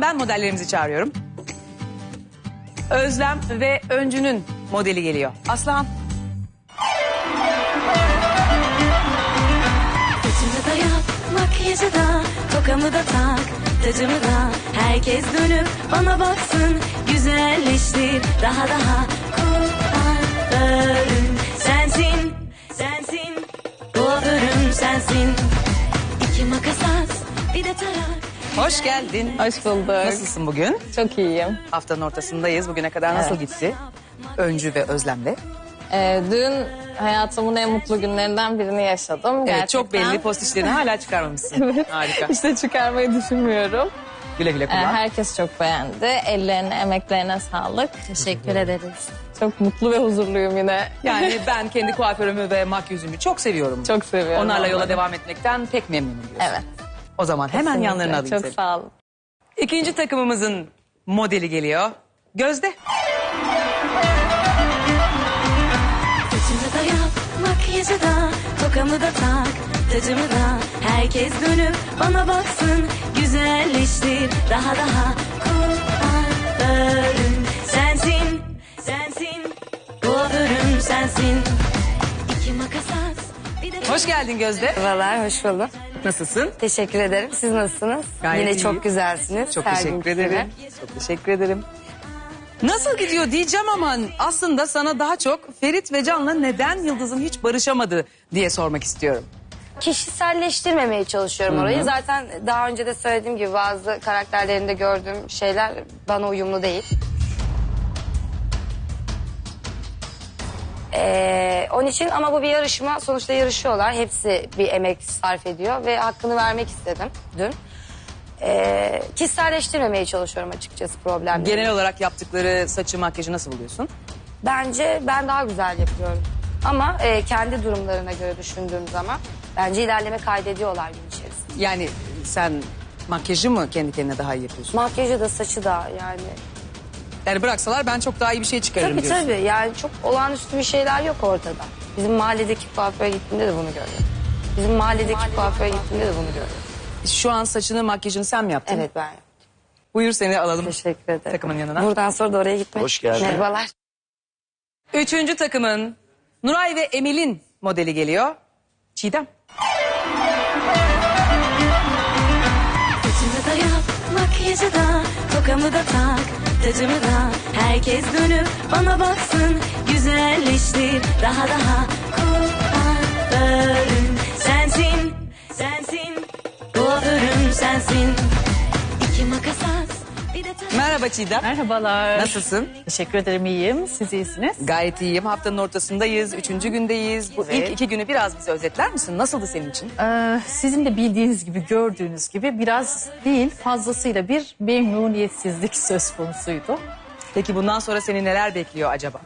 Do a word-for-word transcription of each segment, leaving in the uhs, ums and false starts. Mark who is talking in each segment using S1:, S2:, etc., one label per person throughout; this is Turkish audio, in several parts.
S1: ben modellerimizi çağırıyorum. Özlem ve Öncü'nün modeli geliyor. Aslan.
S2: Saçımı da yap, makyajı da, tokamı da tak, tacımı da. Herkes dönüp bana baksın, güzelleştir daha daha. Kuaförüm sensin, sensin. Kuaförüm sensin. İki makas at, bir de tarak.
S1: Hoş geldin.
S3: Hoş bulduk.
S1: Nasılsın bugün?
S3: Çok iyiyim.
S1: Haftanın ortasındayız. Bugüne kadar nasıl
S3: Evet.
S1: gitti? Öncü ve Özlem'le.
S3: Ee, dün hayatımın en mutlu günlerinden birini yaşadım.
S1: Evet,
S3: Gerçekten.
S1: çok belli, post işlerini hala çıkarmamışsın.
S3: Evet.
S1: Harika.
S3: İşte çıkarmayı düşünmüyorum.
S1: Güle güle
S3: Ee,
S1: kullan.
S3: herkes çok beğendi. Ellerine, emeklerine sağlık. Teşekkür ederiz. Çok mutlu ve huzurluyum yine.
S1: Yani ben kendi kuaförümü ve makyözümü çok seviyorum.
S3: Çok seviyorum.
S1: Onlarla yola
S3: onları.
S1: devam etmekten pek memnunum diyorsun.
S3: Evet.
S1: O zaman hemen
S3: Kesinlikle.
S1: yanlarına alayım
S3: Çok
S1: seni.
S3: sağ olun.
S1: İkinci takımımızın modeli geliyor. Gözde.
S2: Saçımı da yap, makyajı da, tokamı da tak, tacımı da. Herkes dönüp bana baksın, güzelleştir daha daha. Kuaförüm sensin, sensin. Kuaförüm sensin. İki makas at, bir de...
S1: Hoş geldin Gözde.
S4: Merhabalar, hoş bulduk.
S1: Nasılsın?
S4: Teşekkür ederim. Siz nasılsınız?
S1: Gayet
S4: Yine
S1: iyiyim.
S4: çok güzelsiniz.
S1: Çok
S4: Her
S1: teşekkür
S4: günkü
S1: ederim.
S4: gibi.
S1: Çok teşekkür ederim. Nasıl gidiyor diyeceğim ama aslında sana daha çok Ferit ve Can'la neden Yıldız'ın hiç barışamadı diye sormak istiyorum.
S4: Kişiselleştirmemeye çalışıyorum orayı. Zaten daha önce de söylediğim gibi bazı karakterlerinde gördüğüm şeyler bana uyumlu değil. Ee, onun için ama bu bir yarışma. Sonuçta yarışıyorlar. Hepsi bir emek sarf ediyor ve hakkını vermek istedim dün. Ee, kişiselleştirmemeye çalışıyorum açıkçası problemleri.
S1: Genel olarak yaptıkları saçı makyajı nasıl buluyorsun?
S4: Bence ben daha güzel yapıyorum. Ama e, kendi durumlarına göre düşündüğüm zaman bence ilerleme kaydediyorlar gün içerisinde.
S1: Yani sen makyajı mı kendi kendine daha iyi yapıyorsun?
S4: Makyajı da saçı da yani.
S1: Yani bıraksalar ben çok daha iyi bir şey çıkarırım
S4: Tabii
S1: diyorsun.
S4: tabii yani çok olağanüstü bir şeyler yok ortada. Bizim mahalledeki kuaföre gittiğimde de bunu görüyorum. Bizim mahalledeki kuaföre gittiğimde de bunu görüyorum.
S1: Şu an saçını makyajını sen mi yaptın?
S4: Evet ben.
S1: Buyur seni alalım.
S4: Teşekkür ederim.
S1: Takımın yanına.
S4: Buradan sonra da oraya gitmek.
S5: Hoş geldin.
S4: Merhabalar.
S1: Üçüncü takımın Nuray ve Emel'in modeli geliyor. Çiğdem.
S2: Saçımı da yap, makyajı da, tokamı da tak, tacımı da. Herkes dönüp bana baksın, güzelleştir daha daha. Kuaförüm sensin, sensin. Kuaförüm sensin. İki makas at, bir de tarak.
S1: Merhaba Çiğdem.
S6: Merhabalar.
S1: Nasılsın?
S6: Teşekkür ederim, iyiyim. Siz iyisiniz.
S1: Gayet iyiyim. Haftanın ortasındayız. Üçüncü gündeyiz. Bu
S6: Evet.
S1: ilk iki günü biraz bize özetler misin? Nasıldı senin için?
S6: Ee, sizin de bildiğiniz gibi, gördüğünüz gibi biraz değil, fazlasıyla bir memnuniyetsizlik söz konusuydu.
S1: Peki bundan sonra seni neler bekliyor acaba?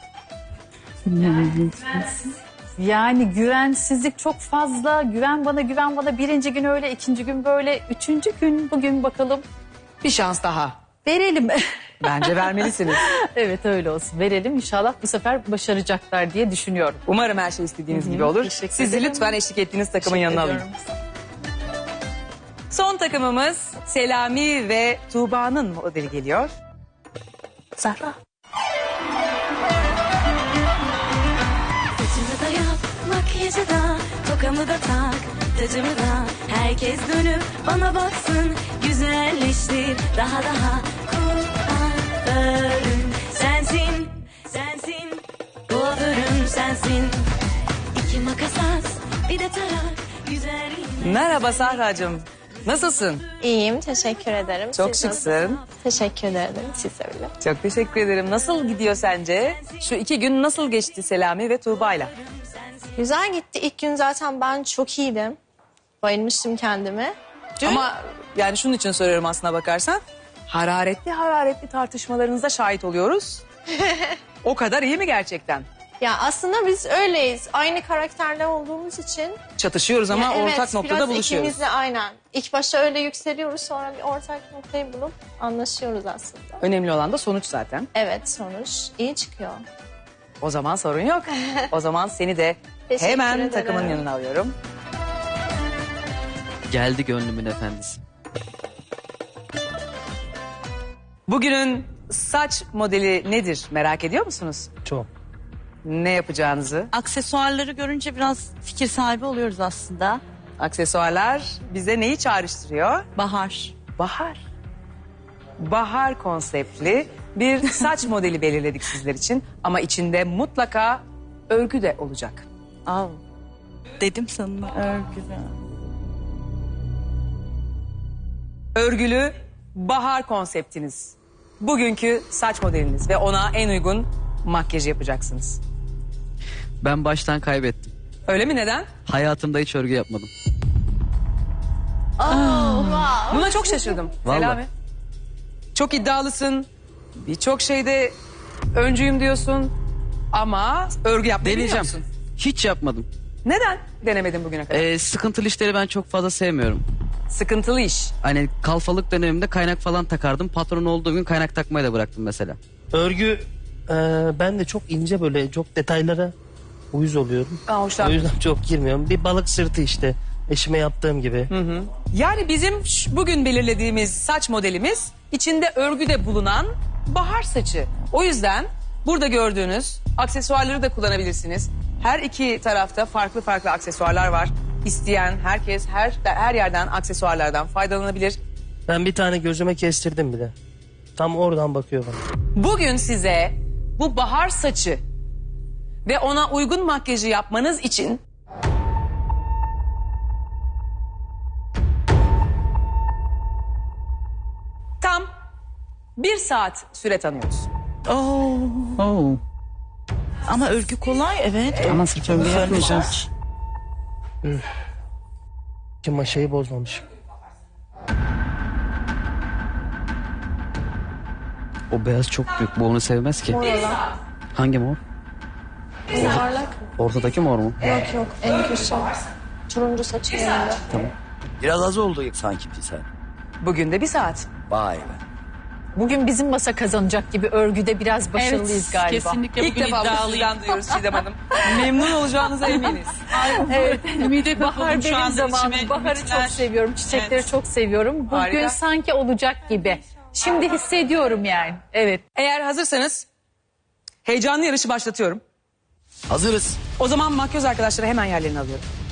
S6: Yani güvensizlik çok fazla. Güven bana, güven bana. Birinci gün öyle, ikinci gün böyle. Üçüncü gün bugün bakalım.
S1: Bir şans daha.
S6: Verelim.
S1: Bence vermelisiniz.
S6: Evet öyle olsun. Verelim. İnşallah bu sefer başaracaklar diye düşünüyorum.
S1: Umarım her şey istediğiniz
S6: Hı hı,
S1: gibi olur.
S6: teşekkür
S1: Sizi
S6: ederim.
S1: lütfen eşlik ettiğiniz takımın
S6: Teşekkür
S1: yanına alayım.
S6: ediyorum.
S1: Son takımımız Selami ve Tuğba'nın modeli geliyor. Zahra.
S2: Saçımı da yap, makyajı da, tokamı da tak, tacımı da. Herkes dönüp bana baksın, güzelleştir daha daha. Kuaförüm sensin, sensin. Kuaförüm sensin. İki makas at, bir de tarak, güzelliğin.
S1: Merhaba Sahra'cığım. Nasılsın?
S3: İyiyim, teşekkür ederim.
S1: Çok
S3: Siz
S1: şıksın.
S3: nasılsınız? Teşekkür ederim, siz de öyle.
S1: Çok teşekkür ederim. Nasıl gidiyor sence? Şu iki gün nasıl geçti Selami ve Tuğba'yla?
S3: Güzel gitti. İlk gün zaten ben çok iyiydim. Bayılmıştım kendime. Dün...
S1: Ama yani şunun için soruyorum aslına bakarsan. Hararetli hararetli tartışmalarınıza şahit oluyoruz. O kadar iyi mi gerçekten?
S3: Ya aslında biz öyleyiz. Aynı karakterler olduğumuz için.
S1: Çatışıyoruz ama
S3: Ya evet,
S1: ortak noktada
S3: biraz
S1: buluşuyoruz.
S3: ikimiz de aynen. İlk başta öyle yükseliyoruz, sonra bir ortak noktayı bulup anlaşıyoruz aslında.
S1: Önemli olan da sonuç zaten.
S3: Evet, sonuç iyi çıkıyor.
S1: O zaman sorun yok. O zaman seni de
S3: Teşekkür
S1: hemen
S3: ederim.
S1: takımın yanına alıyorum.
S5: Geldi gönlümün efendisi.
S1: Bugünün saç modeli nedir merak ediyor musunuz?
S5: Çok.
S1: Ne yapacağınızı?
S7: Aksesuarları görünce biraz fikir sahibi oluyoruz aslında.
S1: Aksesuarlar bize neyi çağrıştırıyor?
S7: Bahar.
S1: Bahar. Bahar konseptli bir saç modeli belirledik sizler için. Ama içinde mutlaka örgü de olacak.
S7: Al. Dedim sana örgü.
S1: Örgülü bahar konseptiniz. Bugünkü saç modeliniz ve ona en uygun makyaj yapacaksınız.
S8: Ben baştan kaybettim.
S1: Öyle mi, neden?
S8: Hayatımda hiç örgü yapmadım.
S1: Buna çok şaşırdım.
S8: Vallahi.
S1: Selami. Çok iddialısın. Birçok şeyde öncüyüm diyorsun. Ama örgü yapmayı
S8: Deneyeceğim.
S1: biliyor musun?
S8: Hiç yapmadım.
S1: Neden denemedin bugüne kadar?
S8: Ee, sıkıntılı işleri ben çok fazla sevmiyorum.
S1: Sıkıntılı iş.
S8: Hani kalfalık dönemimde kaynak falan takardım. Patron olduğum gün kaynak takmayı da bıraktım mesela.
S5: Örgü e, ben de çok ince böyle çok detaylara uyuz oluyorum.
S1: Aa,
S5: O
S1: hoşlanmıyorum.
S5: yüzden çok girmiyorum. Bir balık sırtı işte eşime yaptığım gibi.
S1: Yani bizim ş- bugün belirlediğimiz saç modelimiz içinde örgü de bulunan bahar saçı. O yüzden burada gördüğünüz aksesuarları da kullanabilirsiniz. Her iki tarafta farklı farklı aksesuarlar var. İsteyen herkes her her yerden aksesuarlardan faydalanabilir.
S5: Ben bir tane gözüme kestirdim bile. Tam oradan bakıyor bana.
S1: Bugün size bu bahar saçı ve ona uygun makyajı yapmanız için tam bir saat süre tanıyoruz.
S7: Oo.
S8: Oo.
S7: Ama örgü kolay evet.
S8: Ama sırf örgü yapmayacağım.
S5: Ki maşayı bozmamış.
S8: O beyaz çok büyük. Bu onu sevmez ki. Hangi mor? Ortadaki mor mu?
S9: Biraz az oldu sanki bir sen.
S1: Bugün de bir saat.
S9: Vay be.
S6: Bugün bizim masa kazanacak gibi örgüde biraz başarılıyız galiba.
S7: Kesinlikle
S1: İlk
S7: bugün
S1: defa bunu
S7: iddialıyım.
S1: sizden duyuyoruz Çiğdem Hanım. Memnun olacağınıza eminiz.
S7: Ümide
S6: Bahar
S7: kapıldım şu
S6: benim
S7: anda
S6: zamanım.
S7: içime
S6: Baharı
S7: ümitler.
S6: çok seviyorum. Çiçekleri
S7: Evet.
S6: çok seviyorum. Bugün
S1: Harika.
S6: sanki olacak gibi. Şimdi hissediyorum yani. Evet.
S1: Eğer hazırsanız heyecanlı yarışı başlatıyorum.
S9: Hazırız.
S1: O zaman makyöz arkadaşları hemen yerlerini alıyorum.